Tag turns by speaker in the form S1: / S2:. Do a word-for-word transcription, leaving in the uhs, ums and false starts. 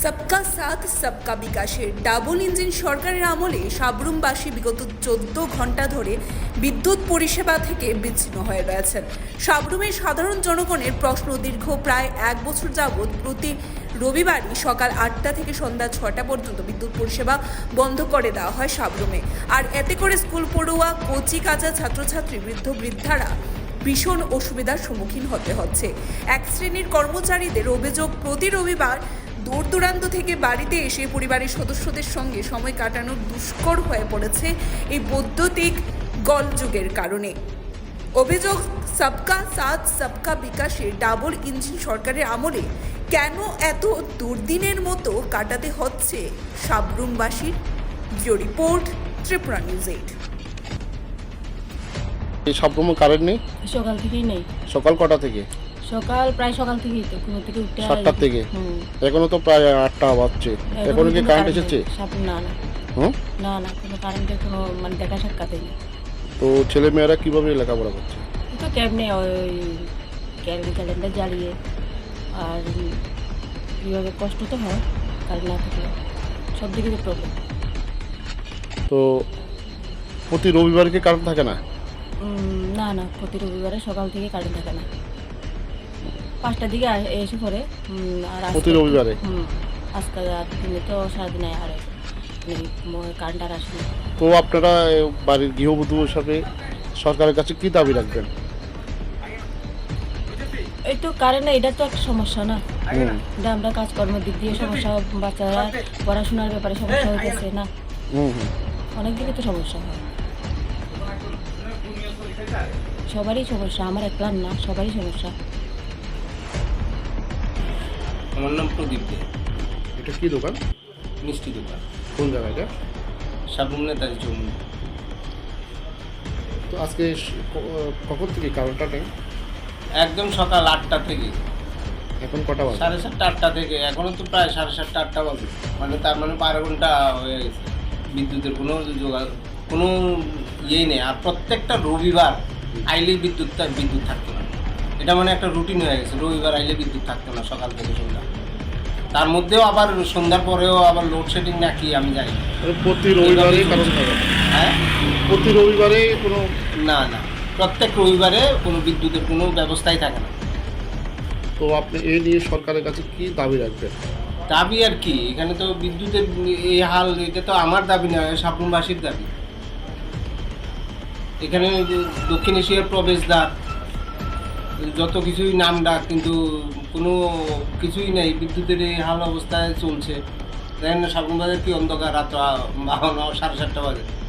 S1: सबका साथ सबका বিকাশের ডাবল ইঞ্জিন সরকারের আমলে সাবরুমবাসী বিগত চোদ্দ ঘন্টা ধরে বিদ্যুৎ পরিষেবা থেকে বিচ্ছিন্ন হয়ে রয়েছেন। সাবরুমের সাধারণ জনগণের প্রশ্ন দীর্ঘ প্রায় এক বছর যাবৎ প্রতি রবিবারই সকাল আটটা থেকে সন্ধ্যা ছটা পর্যন্ত বিদ্যুৎ পরিষেবা বন্ধ করে দেওয়া হয় সাবরুমে। আর এতে করে স্কুল পড়ুয়া, কচি কাঁচা ছাত্রছাত্রী, বৃদ্ধ বৃদ্ধারা ভীষণ অসুবিধার সম্মুখীন হতে হচ্ছে। এক শ্রেণীর কর্মচারীদের অভিযোগ, প্রতি রবিবার দূর দূরান্ত থেকে বাড়িতে এসে পরিবারের সদস্যদের সঙ্গে সময় কাটানো দুষ্কর হয়ে পড়েছে এই বৈদ্যুতিক গোলযোগের কারণে। অভিযোগ, সবকা সাথ সবকা বিকাশের ডাবল ইঞ্জিন সরকারের আমলে কেন এত দুর্দিনের মতো কাটাতে হচ্ছে সাবরুমবাসীর। Bureau report, Tripura news eight.
S2: এই সাবরুমে কারেন্ট নেই
S3: সকাল থেকেই নেই।
S2: সকাল কটা থেকে?
S3: সকাল প্রায় সকাল থেকেই তো ঘুম থেকে উঠতে
S2: সাতটার থেকে এখনো তো প্রায় আটটা বাজছে, এখনো কি কারেন্ট এসেছে?
S3: না না
S2: হুম
S3: না না কোনো কারেন্টের কোনো মানে দেখা সাক্ষাৎই নেই।
S2: তো ছেলে মেয়েরা কিভাবে লেখাপড়া করছে?
S3: তো কেমনে ওই ক্যালেন্ডার ক্যালেন্ডার জ্বালিয়ে, আর কীভাবে কষ্ট তো হয় কারেন্ট না থাকলে, সব দিকে তো প্রবলেম।
S2: তো প্রতি রবিবার কি কারেন্ট থাকে না?
S3: না না প্রতি রবিবারে সকাল থেকে কারেন্ট থাকে না, পাঁচটার দিকে এসে পড়ে। আর
S2: প্রতি রবিবারে
S3: হুম আজকাল আর দিনে তো সারাদিন আর কারেন্ট আর আসে না।
S2: তো আপনারা বাড়ির গৃহবধূ হিসাবে সরকারের কাছে কি দাবি রাখবেন?
S3: এই তো কারেন্ট, এটা তো একটা সমস্যা না, এটা আমরা কাজকর্মের দিক দিয়ে সমস্যা, বাচ্চারা পড়াশোনার ব্যাপারে সমস্যা হইতেছে না, অনেক দিকে তো সমস্যা হয়, সবারই সমস্যা, আমার একলার না, সবারই সমস্যা।
S4: আমার নাম প্রদীপ দে।
S2: এটা কি দোকান?
S4: মিষ্টি দোকান।
S2: কোন জায়গায় এটা?
S4: সাবরুম নেতাজি চৌমুহনী।
S2: তো আজকে কখন থেকে কারেন্টটা নেই?
S4: একদম সকাল আটটা থেকে
S2: এখন কটা বাজে?
S4: সাড়ে সাতটা আটটা থেকে এখনো তো প্রায় সাড়ে সাতটা আটটা বাজে, মানে তার মানে বারো ঘন্টা হয়ে গেছে। বিদ্যুতের কোনো যোগাযোগ, কোনো ইয়েই নেই। আর প্রত্যেকটা রবিবার আইলেই বিদ্যুৎ বিদ্যুৎ থাকতো না, এটা মানে একটা রুটিন হয়ে গেছে। রবিবার আইলে বিদ্যুৎ থাকতো না সকাল থেকে সন্ধ্যা, তার মধ্যেও আবার সন্ধ্যার পরেও আবার লোডশেডিং না কি আমি জানি।
S2: প্রতি রবিবারে কারেন্ট থাকে?
S4: হ্যাঁ,
S2: প্রতি রবিবারে কোনো?
S4: না না, প্রত্যেক রবিবারে কোনো বিদ্যুতের কোনো ব্যবস্থাই থাকে না।
S2: তো আপনি এই নিয়ে সরকারের কাছে কি দাবি রাখবেন?
S4: দাবি আর কি, এখানে তো বিদ্যুতের এই হাল, এটা তো আমার দাবি নয়, সাবরুমবাসীর দাবি। এখানে দক্ষিণ এশিয়ার প্রবেশদ্বার, যত কিছুই নাম ডাক, কিন্তু কোনো কিছুই নেই। বিদ্যুতের এই হাল অবস্থায় চলছে। দেখেন না সাবরুম বাজার কি অন্ধকার, রাত সাড়ে সাতটা বাজে।